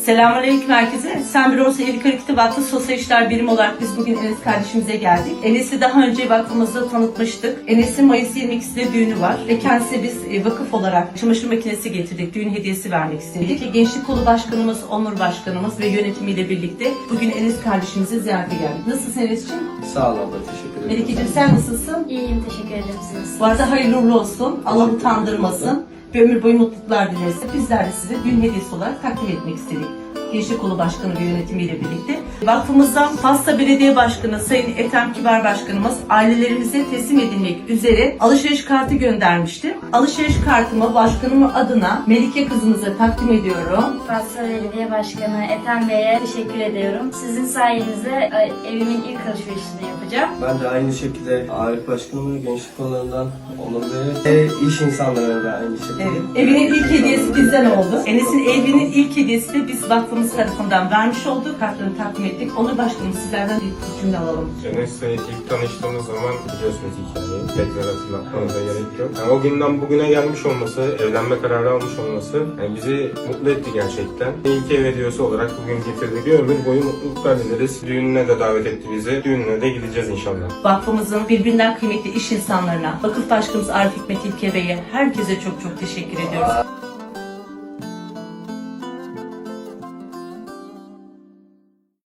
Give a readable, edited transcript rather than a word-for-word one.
Selamünaleyküm herkese. Sen Bürosu Evlilik Hareketi Vakfı Sosyal İşler Birimi olarak biz bugün Enes kardeşimize geldik. Enes'i daha önce vakfımızda tanıtmıştık. Enes'in Mayıs 22'sinde düğünü var ve kendisine biz vakıf olarak çamaşır makinesi getirdik. Düğün hediyesi vermek istedik. Gençlik Kolu Başkanımız, Onur Başkanımız ve yönetimiyle birlikte bugün Enes kardeşimize ziyarete geldik. Nasılsın Enes'ciğim? Sağ ol abla, teşekkür ederim. Melike'ciğim sen nasılsın? İyiyim, teşekkür ederim. Siz Bu arada hayırlı uğurlu olsun. Allah utandırmasın. Bir ömür boyu mutluluklar dileriz. Bizler de size düğün hediyesi olarak takdim etmek istedik. Gençlik Kolu Başkanı ve yönetimiyle birlikte. Vakfımızdan Pasta Belediye Başkanı Sayın Ethem Kibar Başkanımız ailelerimize teslim edilmek üzere alışveriş kartı göndermişti. Alışveriş kartımı başkanımın adına Melike kızımıza takdim ediyorum. Pasta Belediye Başkanı Ethem Bey'e teşekkür ediyorum. Sizin sayenizde evimin ilk alışverişini yapacağım. Ben de aynı şekilde Arif Başkanım ve gençlik kollarından Onur Bey'e ve iş insanlarına da aynı şekilde. Evet. Evinin ilk hediyesi bizden oldu. Enes'in evinin ilk hediyesi de biz vakfımız tarafından vermiş olduk. Kartlarını takdim ettik. Onur Başkanım sizlerden bir cümle alalım. Enes'le ilk tanıştığımız zaman biliyorsunuz hikayeyi. Tekrar hatırlatmanıza gerek yok. Yani o günden bugüne gelmiş olması, evlenme kararı almış olması bizi mutlu etti gerçekten. İlk ev hediyesi olarak bugün getirdik. Bir ömür boyu mutluluklar dileriz. Düğününe de davet etti bizi. Düğününe de gideceğiz inşallah. Vakfımızın birbirinden kıymetli iş insanlarına, vakıf başkanımız Arif Hikmet İlke Bey'e herkese çok teşekkür ediyoruz.